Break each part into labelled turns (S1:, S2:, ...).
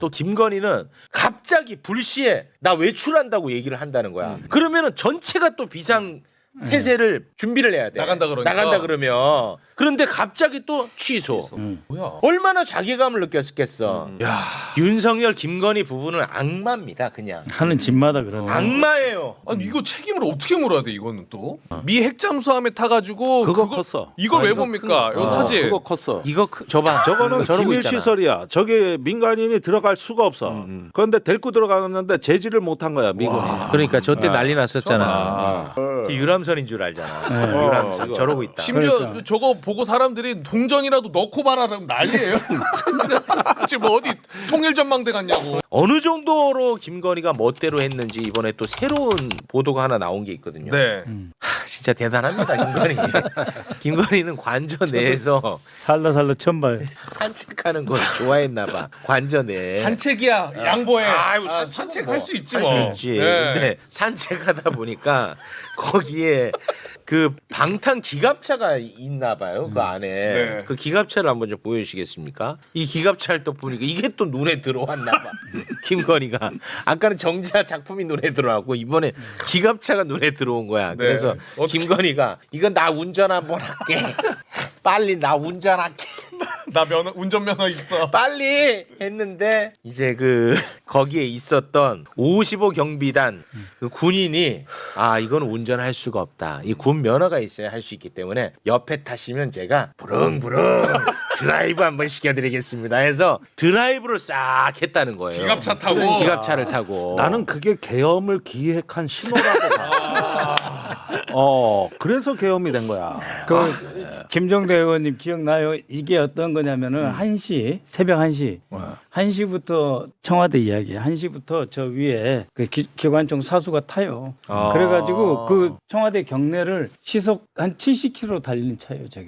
S1: 또 김건희는 갑자기 불시에 나 외출한다고 얘기를 한다는 거야. 그러면은 전체가 또 비상 태세를 준비를 해야 돼.
S2: 나간다 그러니까.
S1: 나간다 그러면. 그런데 갑자기 또 취소.
S2: 뭐야?
S1: 얼마나 자괴감을 느꼈겠어.
S2: 야,
S1: 윤석열, 김건희 부부는 악마입니다. 그냥.
S3: 하는 집마다 그러네.
S1: 악마예요.
S2: 아니 이거 책임을 어떻게 물어야 돼 이거는 또? 미 핵잠수함에 타가지고
S4: 그거 컸어.
S2: 이걸 왜
S1: 이거
S2: 봅니까?
S1: 큰
S2: 이 사진.
S4: 그거 컸어.
S1: 이거 저봐.
S4: 저거는
S1: 저러고
S4: 기밀
S1: 있잖아.
S4: 시설이야. 저게 민간인이 들어갈 수가 없어. 그런데 데리고 들어갔는데 제지를 못한 거야 미군이.
S1: 그러니까 저 때 난리
S2: 아.
S1: 났었잖아. 저 유람선인 줄 알잖아. 유람선
S4: 이거.
S1: 저러고 있다.
S2: 심지어
S3: 그러니까.
S2: 저거 보고 사람들이 동전이라도 넣고 말하라면 난리예요. 지금 뭐 어디 통일전망대 갔냐고.
S1: 어느 정도로 김건희가 멋대로 했는지 이번에 또 새로운 보도가 하나 나온 게 있거든요.
S2: 네.
S1: 진짜 대단합니다, 김건희. 김건희는 관저 내에서
S3: 살라 천발.
S1: 산책하는 걸 좋아했나 봐. 관저 내.
S2: 산책이야 양보해.
S1: 아이고,
S2: 산책할 수 있지
S1: 할
S2: 뭐.
S1: 수 있지.
S2: 네.
S1: 근데 산책하다 보니까 거기에 그 방탄 기갑차가 있나 봐요. 그 안에.
S2: 네.
S1: 그 기갑차를 한번 좀 보여주시겠습니까? 이 기갑차를 또 보니까 이게 또 눈에 들어왔나 봐. 김건희가. 아까는 정자 작품이 눈에 들어왔고 이번에 기갑차가 눈에 들어온 거야. 그래서
S2: 어떻게-
S1: 김건희가 이건 나 운전 한번 할게. 빨리 나 운전할게.
S2: 나 운전면허 있어.
S1: 빨리 했는데 이제 그 거기에 있었던 55 경비단 그 군인이 아 이건 운전할 수가 없다. 이 군 면허가 있어야 할 수 있기 때문에 옆에 타시면 제가 부릉부릉 드라이브 한번 시켜드리겠습니다. 해서 드라이브를 싹 했다는 거예요.
S2: 기갑차 타고.
S1: 기갑차를 타고.
S4: 나는 그게 계엄을 기획한 신호라고 봐. 그래서 계엄이 된 거야.
S3: 그 김종대 의원님 기억나요? 이게 어떤 거냐면은 1시 새벽 1시 1시부터 청와대 이야기 1시부터 저 위에 그 기관총 사수가 타요. 그래가지고 그 청와대 경내를 시속 한 70km 달리는 차예요, 저게.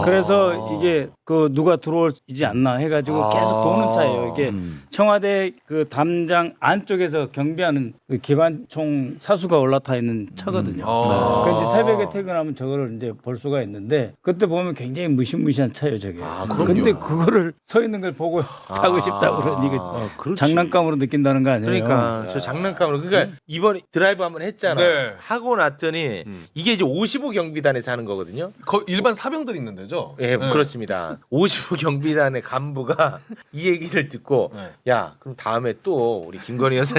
S3: 그래서 이게 그 누가 들어오지 않나 해가지고 계속 도는 차예요. 이게 청와대 그 담장 안쪽에서 경비하는 그 기관총 사수가 올라타 있는 차거든요. 그러니까 이제 새벽에 퇴근하면 저거를 이제 볼 수가 있는데 그때 보면 굉장히 무시무시한 차예요, 저게.
S1: 그럼요.
S3: 근데 그거를 서 있는 걸 보고 타고 싶다고 그러니 이게
S4: 그렇지.
S3: 장난감으로 느낀다는 거 아니에요?
S1: 그러니까 저 장난감으로 그러니까 이번에 드라이브 한번 했잖아.
S2: 네.
S1: 하고 났더니 이게 이제 55 경비단에서 하는 거거든요.
S2: 일반 사병들 있는 데죠?
S1: 예, 그렇습니다. 55 경비단의 간부가 이 얘기를 듣고
S2: 네.
S1: 야, 그럼 다음에 또 우리 김건희 여사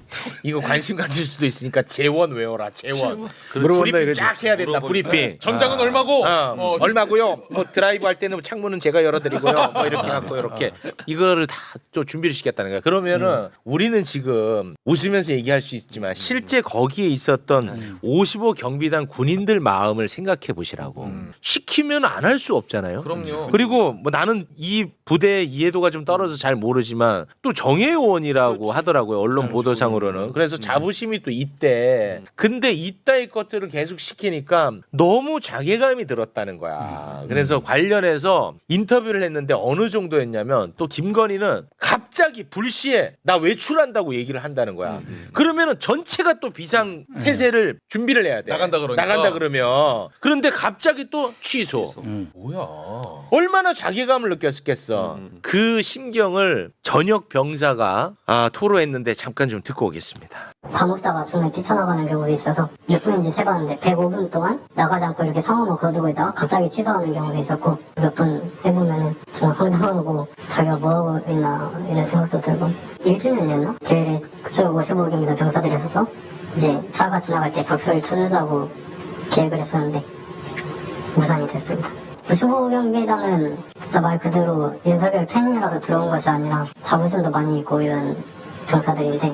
S1: 이거 관심 가질 수도 있으니까 재원 외워라. 재원.
S3: 물어본다
S1: 브리핑
S3: 이거지.
S1: 쫙 해야 된다. 브리핑.
S2: 전장은 얼마고?
S1: 얼마고요? 뭐 드라이브 할 때는 창문은 제가 열어드리고요. 뭐 이렇게 갖고 이렇게 이거를 다 좀 준비를 시켰다는 거야. 그러면은 우리는 지금 웃으면서 얘기할 수 있지만 실제 거기에 있었던 55 경비단 군인들 마음을 생각해 보시라고. 시키면 안 할 수 없잖아요.
S2: 그럼요.
S1: 그리고 뭐 나는 이 부대의 이해도가 좀 떨어져서 잘 모르지만 또 정예요원이라고 하더라고요. 언론 보도상으로는. 그래서 자부심이 또 있대. 근데 이따위 것들을 계속 시키니까 너무 자괴감이 들었다는 거야. 그래서 관련해서 인터뷰를 했는데 어느 정도였냐면 또 김건희는 갑자기 불시에 나 외출한다고 얘기를 한다는 거야. 그러면은 전체가 또 비상 태세를 준비를 해야 돼.
S2: 나간다 그러니까.
S1: 나간다 그러면. 그런데 갑자기 또 취소.
S2: 뭐야?
S1: 얼마나 자괴감을 느꼈겠어. 그 심경을 전역 병사가 토로했는데 잠깐 좀 듣고 오겠습니다.
S5: 밥 먹다가 중간에 뛰쳐나가는 경우도 있어서 몇 분인지 세봤는데 105분 동안 나가지 않고 이렇게 상황만 걸어두고 있다가 갑자기 취소하는 경우도 있었고 몇 분 해보면은 정말 황당하고 자기가 뭐하고 있나 이런 생각도 들고 1주년이었나? 대회에 그쪽 55경기도 병사들이 있어서 이제 차가 지나갈 때 박수를 쳐주자고 계획을 했었는데 무산이 됐습니다. 55경기단은 진짜 말 그대로 윤석열 팬이라서 들어온 것이 아니라 자부심도 많이 있고 이런 병사들인데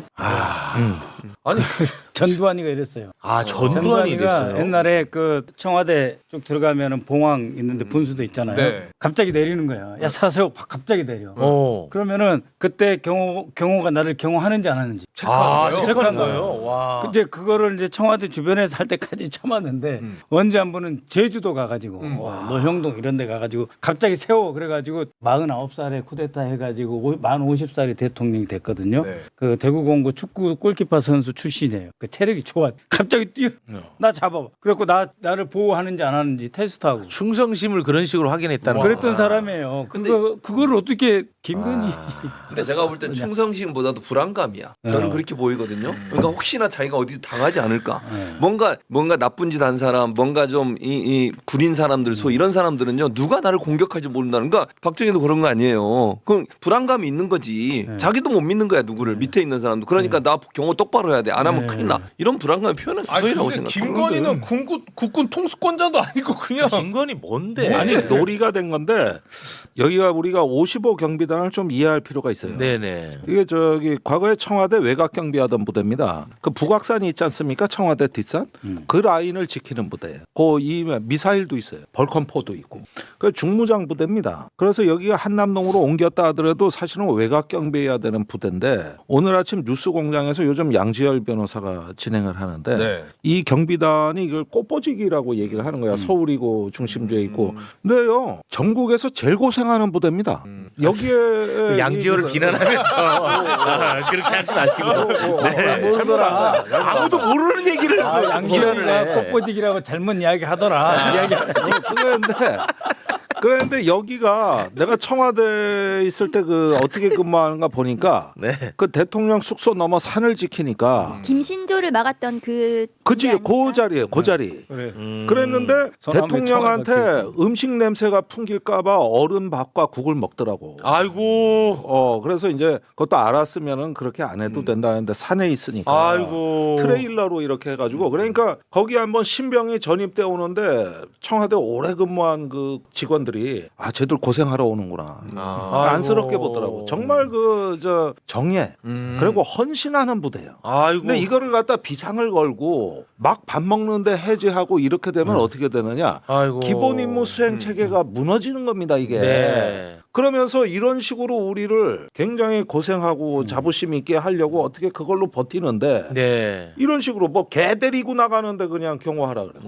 S2: 아니
S3: 전두환이가 이랬어요.
S1: 전두환이 됐어요.
S3: 옛날에 그 청와대 쪽 들어가면은 봉황 있는데 분수도 있잖아요.
S2: 네.
S3: 갑자기 내리는 거야. 야 사세요. 갑자기 내려.
S1: 어.
S3: 그러면은 그때 경호가 나를 경호하는지 안 하는지.
S2: 체크하는 거예요?
S1: 체크하는 거예요. 와.
S3: 이제 그거를 이제 청와대 주변에서 할 때까지 참았는데 언제 한 번은 제주도 가가지고 노형동 이런 데 가가지고 갑자기 세워 그래가지고 49살에 쿠데타 해가지고 만 50살이 대통령이 됐거든요.
S2: 네.
S3: 그 대구공고 축구 골키퍼 선수 출신이에요. 그 그 체력이 좋아. 갑자기 뛰어. 나 잡아봐. 그래갖고 나를 보호하는지 안 하는지 테스트하고.
S1: 충성심을 그런 식으로 확인했다는
S3: 그랬던
S1: 거구나.
S3: 사람이에요. 그걸 어떻게 김건희
S6: 근데 제가 볼 땐 충성심보다도 불안감이야. 저는 그렇게 보이거든요. 그러니까 혹시나 자기가 어디 당하지 않을까. 뭔가 나쁜 짓 한 사람, 뭔가 좀 이 구린 사람들, 소 이런 사람들은요 누가 나를 공격할지 모른다는. 그러니까 박정희도 그런 거 아니에요. 그럼 불안감이 있는 거지. 자기도 못 믿는 거야 누구를 밑에 있는 사람도. 그러니까 나 경호 똑바로 해야 돼. 안 하면 큰일 나. 이런 불안감을 표현한 거라고
S2: 근데
S6: 생각해요.
S2: 김건희는 국군 통수권자도 아니고 그냥
S1: 김건희 뭔데?
S4: 아니 놀이가 된 건데 여기가 우리가 55 경비단을 좀 이해할 필요가 있어요.
S1: 네네.
S4: 이게 저기 과거에 청와대 외곽 경비하던 부대입니다. 그 북악산이 있지 않습니까? 청와대 뒷산 그 라인을 지키는 부대예요. 이 미사일도 있어요. 벌컨포도 있고. 그 중무장 부대입니다. 그래서 여기가 한남동으로 옮겼다 하더라도 사실은 외곽 경비해야 되는 부대인데 오늘 아침 뉴스공장에서 요즘 양지열 변호사가 진행을 하는데
S2: 네.
S4: 이 경비단이 이걸 꽃보직이라고 얘기를 하는 거야. 서울이고 중심지에 있고. 근데요 전국에서 제일 고생하는 부대입니다. 여기에
S1: 그 양지호를 비난하면서 그렇게 하지 마시고. 네.
S3: 모르더라.
S1: 아무도 모르는 얘기를 비난을
S3: 양지현이가
S1: 해.
S3: 꽃보직이라고 잘못 이야기하더라.
S4: 그런데 여기가 내가 청와대에 있을 때 그 어떻게 근무하는가 보니까
S1: 네.
S4: 그 대통령 숙소 넘어 산을 지키니까
S7: 김신조를 막았던 그
S4: 그치
S7: 아닙니까?
S4: 그 자리에 그 자리. 그랬는데
S3: 서남에
S4: 대통령한테
S3: 청와대 있고.
S4: 음식 냄새가 풍길까봐 얼음 밥과 국을 먹더라고.
S1: 아이고.
S4: 그래서 이제 그것도 알았으면은 그렇게 안 해도 된다는데 산에 있으니까.
S1: 아이고.
S4: 트레일러로 이렇게 해가지고 그러니까 거기 한번 신병이 전입돼 오는데 청와대 오래 근무한 그 직원들이 쟤들 고생하러 오는구나. 안쓰럽게 보더라고. 정말 그 저 정예 그리고 헌신하는 부대예요.
S1: 아이고.
S4: 근데 이거를 갖다 비상을 걸고 막 밥 먹는데 해제하고 이렇게 되면 어떻게 되느냐?
S1: 아이고.
S4: 기본 임무 수행 체계가 무너지는 겁니다 이게.
S1: 네.
S4: 그러면서 이런 식으로 우리를 굉장히 고생하고 자부심 있게 하려고 어떻게 그걸로 버티는데
S1: 네.
S4: 이런 식으로 뭐 개 데리고 나가는데 그냥 경호하라 그래.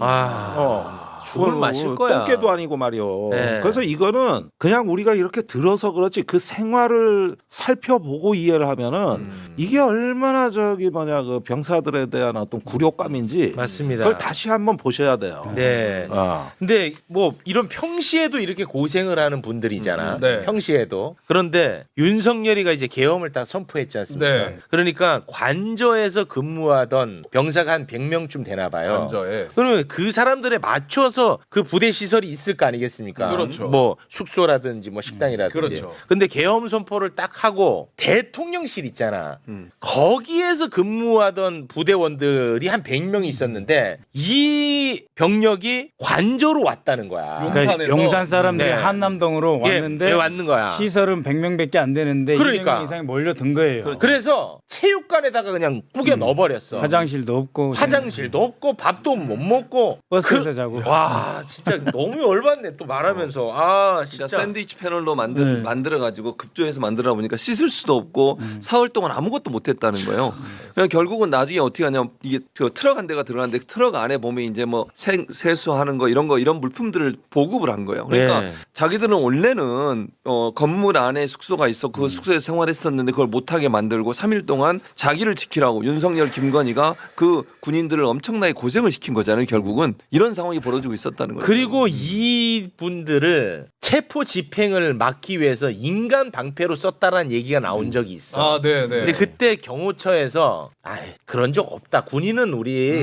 S1: 죽을 마실 거야.
S4: 똥개도 아니고 말이요.
S1: 네.
S4: 그래서 이거는 그냥 우리가 이렇게 들어서 그렇지 그 생활을 살펴보고 이해를 하면은 이게 얼마나 그 병사들에 대한 어떤 굴욕감인지
S1: 맞습니다.
S4: 그걸 다시 한번 보셔야 돼요.
S1: 네. 근데 뭐 이런 평시에도 이렇게 고생을 하는 분들이잖아.
S2: 네.
S1: 평시에도. 그런데 윤석열이가 이제 계엄을 딱 선포했지 않습니까?
S2: 네.
S1: 그러니까 관저에서 근무하던 병사가 한 100명쯤 되나 봐요.
S2: 관저에.
S1: 그러면 그 사람들에 맞춰서 그 부대 시설이 있을 거 아니겠습니까?
S2: 그렇죠.
S1: 뭐 숙소라든지 뭐 식당이라든지.
S2: 그렇죠.
S1: 근데 계엄 선포를 딱 하고 대통령실 있잖아. 거기에서 근무하던 부대원들이 한 100명이 있었는데 이 병력이 관저로 왔다는 거야.
S3: 그러니까
S2: 용산에서?
S3: 용산 사람들이
S1: 네.
S3: 한남동으로 왔는데
S1: 왔는 거야.
S3: 시설은 100명밖에 안 되는데
S1: 그러니까.
S3: 200명 이상이 몰려든 거예요.
S1: 그래서 체육관에다가 그냥 꾸겨 넣어버렸어.
S3: 화장실도 없고
S1: 화장실도 없고 밥도 못 먹고
S3: 버스에서 자고.
S1: 와 진짜 너무 열받네 또 말하면서
S6: 진짜
S1: 진짜
S6: 샌드위치 패널로
S3: 네.
S6: 만들어가지고 급조해서 만들어 보니까 씻을 수도 없고 사흘 동안 아무것도 못했다는 거예요. 그냥 결국은 나중에 어떻게 하냐면 이게 그 트럭 한 대가 들어갔는데 트럭 안에 보면 이제 뭐 세수하는 거 이런 물품들을 보급을 한 거예요. 그러니까
S1: 네.
S6: 자기들은 원래는 건물 안에 숙소가 있어 그 숙소에서 생활했었는데 그걸 못하게 만들고 3일 동안 자기를 지키라고 윤석열 김건희가 그 군인들을 엄청나게 고생을 시킨 거잖아요. 결국은 이런 상황이 벌어지고 있었다는 거예요.
S1: 그리고 이 분들을 체포 집행을 막기 위해서 인간 방패로 썼다라는 얘기가 나온 적이 있어.
S2: 아, 네, 네.
S1: 근데 그때 경호처에서 그런 적 없다. 군인은 우리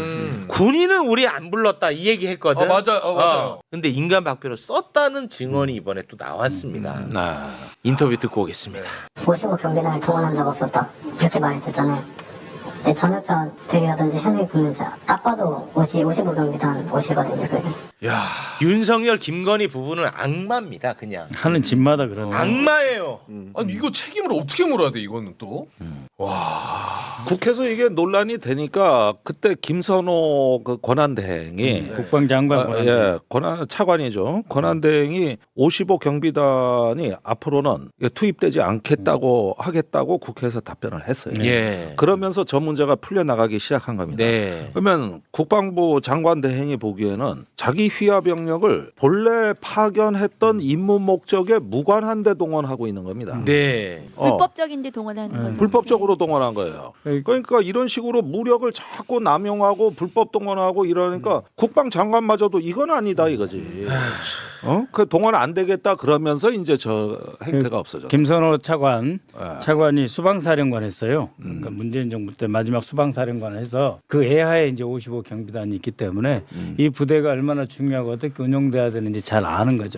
S1: 안 불렀다 이 얘기 했거든.
S2: 맞아요.
S1: 근데 인간 방패로 썼다는 증언이 이번에 또 나왔습니다. 인터뷰 듣고 오겠습니다.
S5: 55 경비단을 동원한 적 없었다 이렇게 말했었잖아요. 근데 전역자들이라든지 현역 근무자 딱 봐도 55 경비단 옷이거든요. 그게.
S1: 윤석열 김건희 부부는 악마입니다. 그냥
S3: 하는 집마다 그러네.
S1: 악마예요.
S2: 아니 이거 책임을 어떻게 물어야 돼 이거는 또?
S4: 국회에서 이게 논란이 되니까 그때 김선호 그 권한대행이
S3: 국방장관
S4: 차관이죠. 권한대행이 55 경비단이 앞으로는 투입되지 않겠다고 하겠다고 국회에서 답변을 했어요.
S1: 예.
S4: 그러면서 저 문제가 풀려나가기 시작한 겁니다.
S1: 네.
S4: 그러면 국방부 장관 대행이 보기에는 자기 휘하 병력을 본래 파견했던 임무 목적에 무관한 데 동원하고 있는 겁니다.
S1: 네.
S7: 불법적인데 동원하는 거죠.
S4: 불법적으로 동원한 거예요. 그러니까 이런 식으로 무력을 자꾸 남용하고 불법 동원하고 이러니까 국방장관마저도 이건 아니다 이거지. 그 동원 안 되겠다 그러면서 이제 저 행태가 없어졌다.
S3: 김선호 차관
S4: 예.
S3: 차관이 수방사령관 했어요. 그러니까 문재인 정부 때 마지막 수방사령관을 해서 그 애하에 이제 55 경비단이 있기 때문에 이 부대가 얼마나 중요하고 어떻게 운영돼야 되는지 잘 아는 거죠.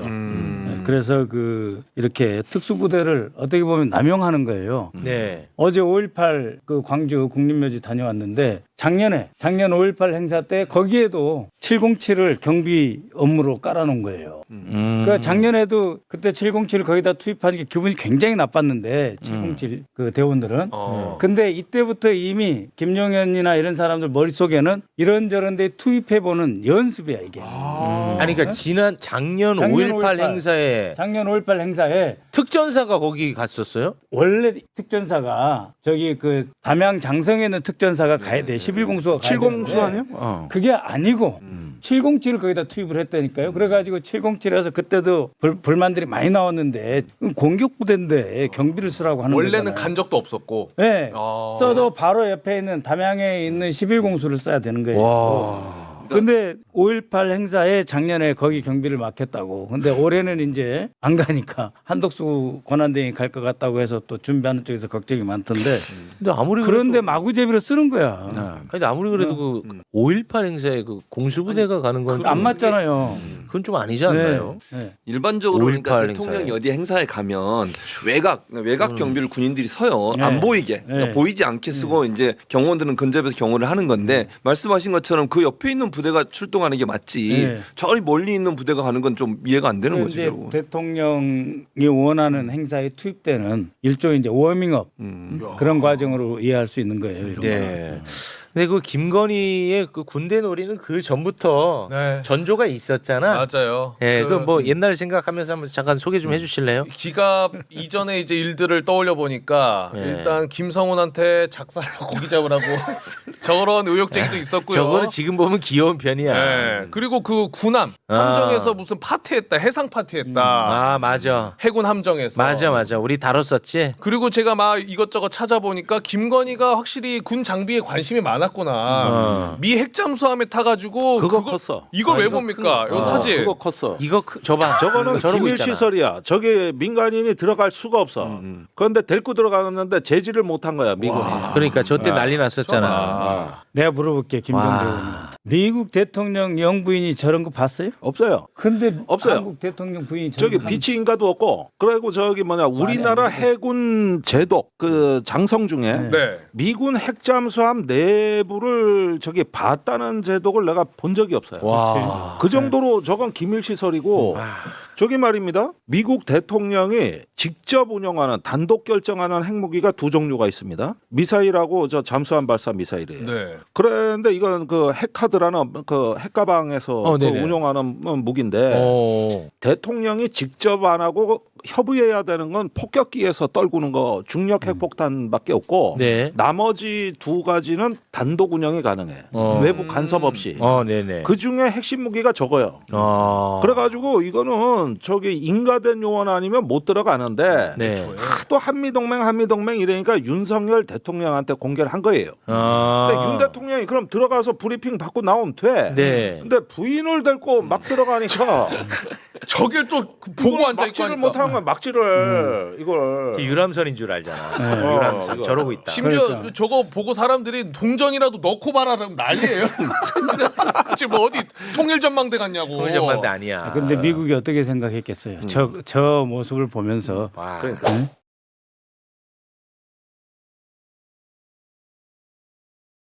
S3: 그래서 그 이렇게 특수부대를 어떻게 보면 남용하는 거예요.
S1: 네.
S3: 어제 5.18 그 광주 국립묘지 다녀왔는데 작년 5.18 행사 때 거기에도 707을 경비 업무로 깔아놓은 거예요. 그러니까 작년에도 그때 707을 거기다 투입하는 게 기분이 굉장히 나빴는데 707 그 대원들은. 근데 이때부터 이미 김용현이나 이런 사람들 머릿속에는 이런저런 데 투입해보는 연습이야 이게.
S1: 아니 그러니까 작년
S3: 작년
S1: 5.18
S3: 5.18
S1: 행사에
S3: 작년 5.18 행사에
S1: 특전사가 거기 갔었어요?
S3: 원래 특전사가 저기 그 담양 장성에 있는 특전사가 가야 돼. 11공수가 가야
S4: 7공수
S3: 되는데
S4: 아니야?
S3: 그게 아니고 707을 거기다 투입을 했다니까요. 그래가지고 707에서 그때도 불만들이 많이 나왔는데 공격 부대인데 경비를 쓰라고 하는
S2: 원래는
S3: 거잖아요.
S2: 간 적도 없었고.
S3: 네.
S2: 아.
S3: 써도 바로 옆에 있는 담양에 있는 11공수를 써야 되는 거예요. 근데 5.18 행사에 작년에 거기 경비를 맡겼다고. 근데 올해는 이제 안 가니까 한덕수 권한대행이 갈 것 같다고 해서 또 준비하는 쪽에서 걱정이 많던데.
S1: 근데 아무리
S3: 그런데
S1: 그래도
S3: 마구제비로 쓰는 거야.
S1: 근데 아무리 그래도 그 5.18 행사에 그 공수부대가 가는 건
S3: 안
S1: 좀
S3: 맞잖아요.
S1: 그건 좀 아니지 않나요?
S3: 네.
S6: 일반적으로 그러니까
S1: 5.18
S6: 대통령이
S1: 행사에.
S6: 어디 행사에 가면 외곽 경비를 군인들이 서요.
S3: 네.
S6: 안 보이게 그러니까
S3: 네.
S6: 보이지 않게 쓰고 이제 경호원들은 근접해서 경호를 하는 건데 말씀하신 것처럼 그 옆에 있는 부대가 출동하는 게 맞지.
S3: 네.
S6: 저리 멀리 있는 부대가 가는 건 좀 이해가 안 되는 거지.
S3: 이제
S6: 결국은.
S3: 대통령이 원하는 행사에 투입되는 일종의 이제 워밍업 그런 과정으로 이해할 수 있는 거예요. 이런
S1: 네. 근데 그 김건희의 그 군대 놀이는 그 전부터
S2: 네.
S1: 전조가 있었잖아.
S2: 맞아요.
S1: 예, 그 뭐 옛날 생각하면서 한번 잠깐 소개 좀 해주실래요?
S2: 기갑 이전에 이제 일들을 떠올려 보니까
S1: 네.
S2: 일단 김성훈한테 작살로 고기 잡으라고 저런 의혹쟁이도 있었고요.
S1: 저거는 지금 보면 귀여운 편이야.
S2: 네. 그리고 그 군함 함정에서 무슨 파티했다, 해상 파티했다.
S1: 아 맞아,
S2: 해군 함정에서.
S1: 맞아. 우리 다뤘었지.
S2: 그리고 제가 막 이것저것 찾아보니까 김건희가 확실히 군 장비에 관심이 많았구나. 미 핵잠수함에 타가지고
S4: 그거 컸어.
S2: 이걸 왜 봅니까? 이 사진.
S4: 그거 컸어.
S1: 이거 저봐,
S4: 저거는
S1: 저러고
S4: 기밀
S1: 있잖아.
S4: 시설이야. 저기 민간인이 들어갈 수가 없어. 그런데 데리고 들어갔는데 제지를 못한 거야 미군이.
S1: 그러니까 저때 난리 났었잖아.
S3: 내가 물어볼게 김정대
S1: 와.
S3: 의원님한테. 미국 대통령 영부인이 저런 거 봤어요?
S4: 없어요.
S3: 근데
S4: 없어요.
S3: 한국 대통령 부인이
S4: 저기
S3: 저런
S4: 비치 인가도 없고. 그리고 저기 뭐냐 우리나라 해군 제독 그 장성 중에
S2: 네.
S4: 미군 핵잠수함 내부를 저기 봤다는 제독을 내가 본 적이 없어요.
S1: 와.
S4: 그 정도로 저건 기밀 시설이고 저기 말입니다. 미국 대통령이 직접 운영하는 단독 결정하는 핵무기가 두 종류가 있습니다. 미사일하고 저 잠수함 발사 미사일이에요.
S2: 네.
S4: 그런데 이건 그 핵카드라는 그 핵가방에서 그
S1: 네네.
S4: 운용하는 무기인데
S1: 어.
S4: 대통령이 직접 안 하고 협의해야 되는 건 폭격기에서 떨구는 거 중력 핵폭탄밖에 없고
S1: 네.
S4: 나머지 두 가지는 단독 운영이 가능해. 외부 간섭 없이.
S1: 네네.
S4: 그 중에 핵심 무기가 저거요. 그래가지고 이거는 저기 인가된 요원 아니면 못 들어가는데
S1: 네.
S4: 또 한미동맹 이러니까 윤석열 대통령한테 공개를 한 거예요. 근데 윤 대통령이 그럼 들어가서 브리핑 받고 나오면 돼.
S1: 네.
S4: 근데 부인을 데리고 막 들어가니까
S2: 저길 또 보고 앉아 있고
S4: 막지를
S2: 하니까.
S4: 못한 거야. 막지를 이걸.
S1: 유람선인 줄 알잖아. 유람선
S4: 이거.
S1: 저러고 있다.
S2: 심지어
S3: 그러니까.
S2: 저거 보고 사람들이 동전이라도 넣고 봐라 그러면 난리예요. 지금 뭐 어디 통일전망대 같냐고.
S1: 통일전망대 아니야.
S3: 근데 미국이 어떻게 생각했겠어요? 저 모습을 보면서
S1: 와.
S3: 응?